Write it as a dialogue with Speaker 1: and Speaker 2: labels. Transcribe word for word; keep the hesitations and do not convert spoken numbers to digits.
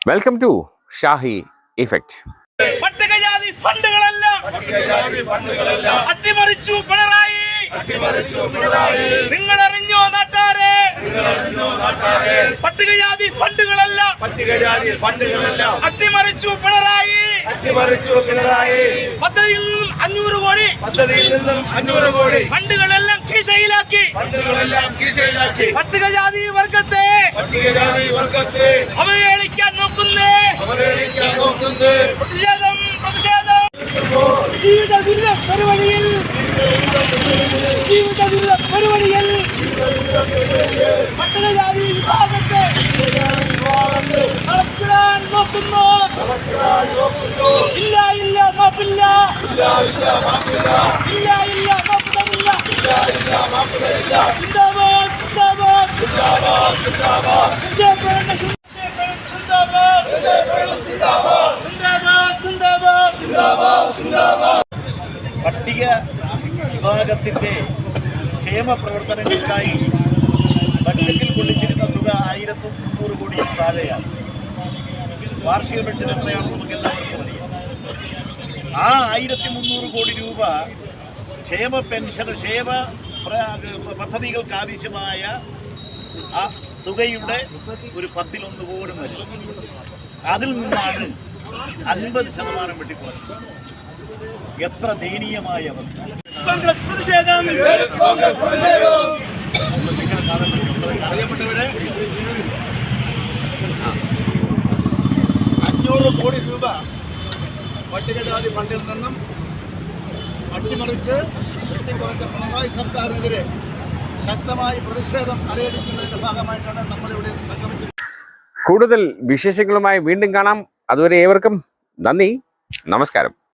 Speaker 1: Welcome to Shahi effect.
Speaker 2: പട്ടികജാതി ഫണ്ടുകളെല്ലാം അട്ടിമറിച്ചു പിണറായി. നിങ്ങളറിഞ്ഞോ നാട്ടാരെ? പട്ടികജാതി ഫണ്ടുകളെല്ലാം അട്ടിമറിച്ചു പിണറായി. പദ്ധതിയിൽ നിന്നും അഞ്ഞൂറ് കോടി പദ്ധതിയിൽ നിന്നും അഞ്ഞൂറ് കോടി ഫണ്ടുകളെല്ലാം കീശയിലാക്കി പട്ടികജാതി വർഗത്തെ പട്ടികജാതി വർഗത്തെ അവഹേളിക്കാൻ നോക്കുന്നേ അവഹേളിക്കാൻ നോക്കുന്നേ പ്രതിഷേധം പ്രതിഷേധം ജീവിത ദുരിത പരിപാടിയിൽ ജീവിത ദുരിത പരിപാടിയിൽ പട്ടികജാതി വിഭാഗത്തെ അടച്ചിടാൻ നോക്കുന്നു. ഇല്ല ഇല്ല മാപ്പില്ല ഇല്ല ഇല്ല മാപ്പ് തരില്ല. സിന്ദാബാദ് സിന്ദാബാദ് സിന്ദാബാദ്
Speaker 3: പട്ടിക വിഭാഗത്തിന്റെ ക്ഷേമ പ്രവർത്തനങ്ങൾക്കായി ബഡ്ജറ്റിൽ കൊള്ളിച്ചിരുന്ന തുക ആയിരത്തി മുന്നൂറ് കോടിയിൽ താഴെയാണ്. വാർഷിക ബഡ്ജറ്റ് എത്രയാണെന്ന് നമുക്ക് എല്ലാവർക്കും അറിയാം. ആ ആയിരത്തി മുന്നൂറ് കോടി രൂപ ക്ഷേമ പെൻഷൻ ക്ഷേമ പദ്ധതികൾക്ക് ആവശ്യമായ ആ തുകയുടെ ഒരു പത്തിലൊന്ന് പോലും വരും. അതിൽ നിന്നാണ് അൻപത് ശതമാനം വെട്ടിക്കുറച്ചത്. എത്ര ദയനീയമായ അവസ്ഥ!
Speaker 2: കോൺഗ്രസ് പ്രതിഷേധം
Speaker 3: അറിയപ്പെട്ടവരെ അഞ്ഞൂറ് കോടി രൂപ പട്ടികജാതി ഫണ്ടിൽ നിന്നും അട്ടിമറിച്ച് വെട്ടിക്കുറച്ച പിണറായി സർക്കാരിനെതിരെ ശക്തമായി പ്രതിഷേധം അരയടിക്കുന്നതിന്റെ ഭാഗമായിട്ടാണ് നമ്മളിവിടെ സംഗമിച്ചത്.
Speaker 1: കൂടുതൽ വിശേഷങ്ങളുമായി വീണ്ടും കാണാം. അതുവരെ ഏവർക്കും നന്ദി, നമസ്കാരം.